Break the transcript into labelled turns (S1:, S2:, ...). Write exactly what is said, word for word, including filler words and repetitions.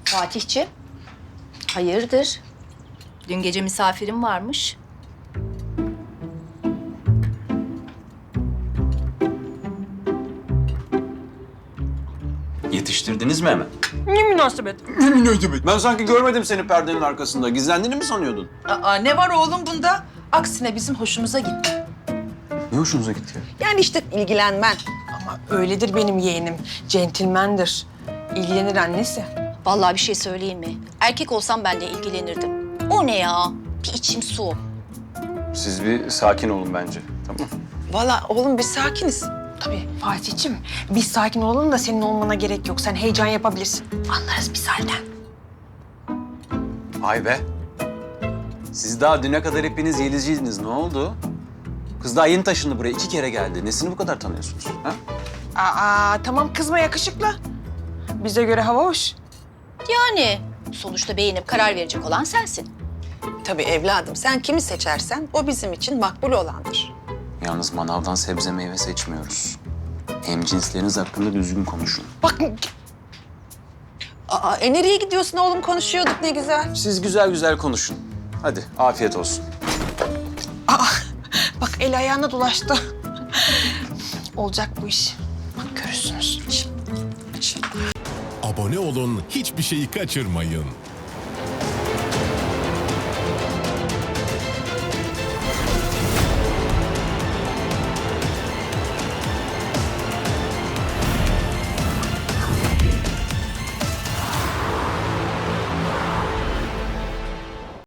S1: Fatihciğim, hayırdır? Dün gece misafirim varmış.
S2: Yetiştirdiniz mi hemen?
S3: Ne münasebet?
S2: Ne münasebet? Ben sanki görmedim seni perdenin arkasında. Gizlendiğini mi sanıyordun?
S3: Aa, ne var oğlum bunda? Aksine bizim hoşumuza gitti.
S2: Ne hoşunuza gitti ya?
S3: Yani işte ilgilenmen. Ama öyledir benim yeğenim. Centilmendir. İlgilenir annesi.
S1: Vallahi bir şey söyleyeyim mi? Erkek olsam ben de ilgilenirdim. O ne ya? Bir içim su.
S2: Siz bir sakin olun bence. Tamam.
S3: Vallahi oğlum biz sakiniz. Tabii Fatih'ciğim biz sakin olalım da senin olmana gerek yok. Sen heyecan yapabilirsin. Anlarız biz halden.
S2: Vay be. Siz daha düne kadar hepiniz Yelizciydiniz. Ne oldu? Kız daha yeni taşındı buraya. iki kere geldi. Nesini bu kadar tanıyorsunuz? Ha?
S3: Aa tamam kızma yakışıklı. Bize göre hava hoş.
S1: Yani sonuçta beğenip karar verecek olan sensin.
S4: Tabii evladım, sen kimi seçersen o bizim için makbul olandır.
S2: Yalnız manavdan sebze meyve seçmiyoruz. Hemcinsleriniz hakkında düzgün konuşun.
S3: Bak
S4: Aa, e nereye gidiyorsun oğlum? Konuşuyorduk ne güzel.
S2: Siz güzel güzel konuşun. Hadi afiyet olsun.
S3: aa, bak el ayağına dolaştı. Olacak bu iş. Bak görürsünüz.
S5: Abone olun, hiçbir şeyi kaçırmayın.